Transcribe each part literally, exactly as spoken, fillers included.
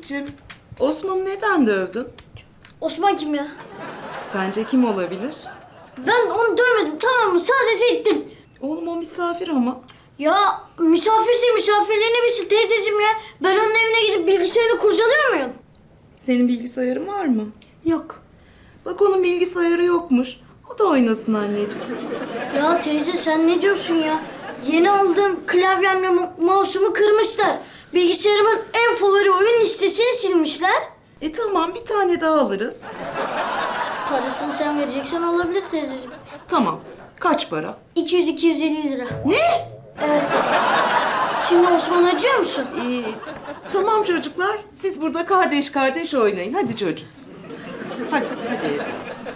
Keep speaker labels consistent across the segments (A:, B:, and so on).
A: Anneciğim, Osman'ı neden dövdün?
B: Osman kim ya?
A: Sence kim olabilir?
B: Ben onu dövmedim, tamam mı? Sadece ittim.
A: Oğlum o misafir ama.
B: Ya misafirse misafirliğine bilsin teyzeciğim ya. Ben onun evine gidip bilgisayarını kurcalıyor muyum?
A: Senin bilgisayarın var mı?
B: Yok.
A: Bak onun bilgisayarı yokmuş. O da oynasın anneciğim.
B: Ya teyze sen ne diyorsun ya? Yeni aldığım klavyemle mo- mouse'umu kırmışlar. Bilgisayarımın en favori oyun listesini silmişler.
A: E tamam, bir tane daha alırız.
B: Parasını sen vereceksen olabilir teyzeciğim.
A: Tamam. Kaç para?
B: iki yüz iki yüz elli lira.
A: Ne?
B: Evet. Şimdi Osman acıyor musun?
A: Ee, tamam çocuklar. Siz burada kardeş kardeş oynayın. Hadi çocuğum. Hadi, hadi evladım.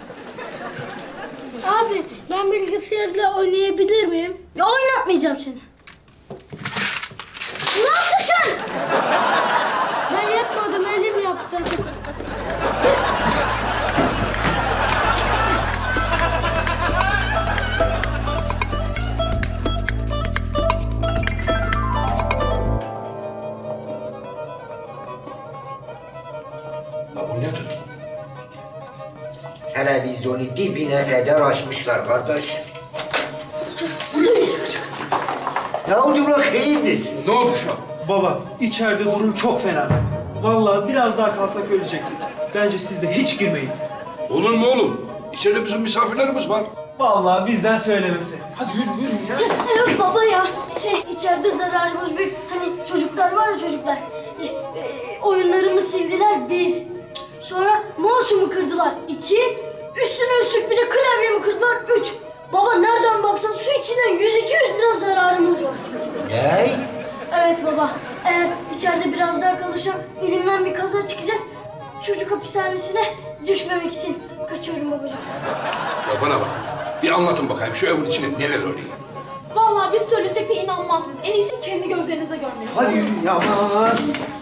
B: Abi ben bilgisayarla oynayabilir miyim? Ya oynatmayacağım seni. Ne yaptın sen? Ben yapmadım, elim yaptı.
C: Ya bu nedir?
D: Televizyonu dibine kadar açmışlar kardeş. Ne oldu ulan hayırdır?
C: Ne oldu şu an?
E: Baba, içeride durum çok fena. Vallahi biraz daha kalsak ölecektik. Bence siz de hiç girmeyin.
C: Olur mu oğlum? İçeride bizim misafirlerimiz var.
E: Vallahi bizden söylemesi.
C: Hadi yürü yürü ya.
B: Evet baba ya, şey içeride zararımız büyük. Hani çocuklar var ya çocuklar. E, e, oyunlarımı sildiler bir. Sonra mouse'umu kırdılar iki. Üstüne üstlük bir de klavyemi kırdılar üç. Baba nereden baksan su içinden yüz iki yüz lira zararımız var.
D: Ne?
B: Evet baba, eğer içeride biraz daha kalırsam elimden bir kaza çıkacak. Çocuk hapishanesine düşmemek için kaçıyorum babacığım.
C: Ya bana bak. Bir anlatın bakayım şu evin içinde neler oluyor.
F: Vallahi biz söylesek de inanmazsınız. En iyisi kendi gözlerinize görmeniz.
D: Hadi yürü ya aman.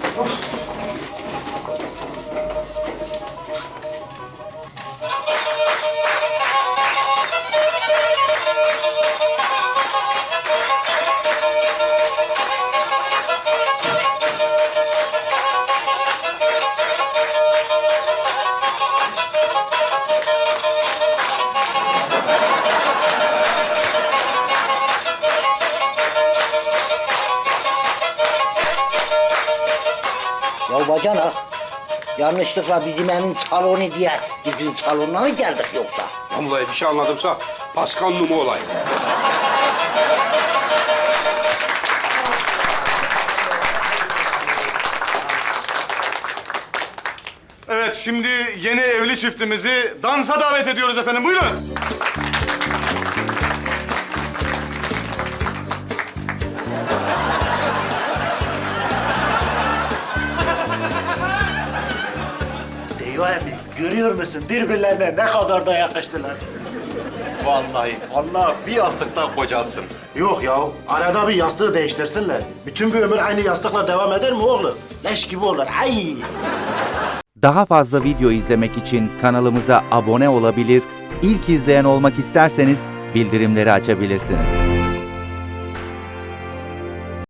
D: Ya bacanak, yanlışlıkla bizim evin salonu diye bizim salonuna mı geldik yoksa?
C: Vallahi bir şey anladımsa paskanlı olay.
G: Evet, şimdi yeni evli çiftimizi dansa davet ediyoruz efendim. Buyurun.
H: Eyvah emmi, görüyor musun? Birbirlerine ne kadar da yakıştılar.
I: Vallahi Allah bir yastıktan kocasın.
H: Yok ya, arada bir yastığı değiştirsinler. Bütün bir ömür aynı yastıkla devam eder mi oğlum? Leş gibi olur, ay!
J: Daha fazla video izlemek için kanalımıza abone olabilir, ilk izleyen olmak isterseniz bildirimleri açabilirsiniz.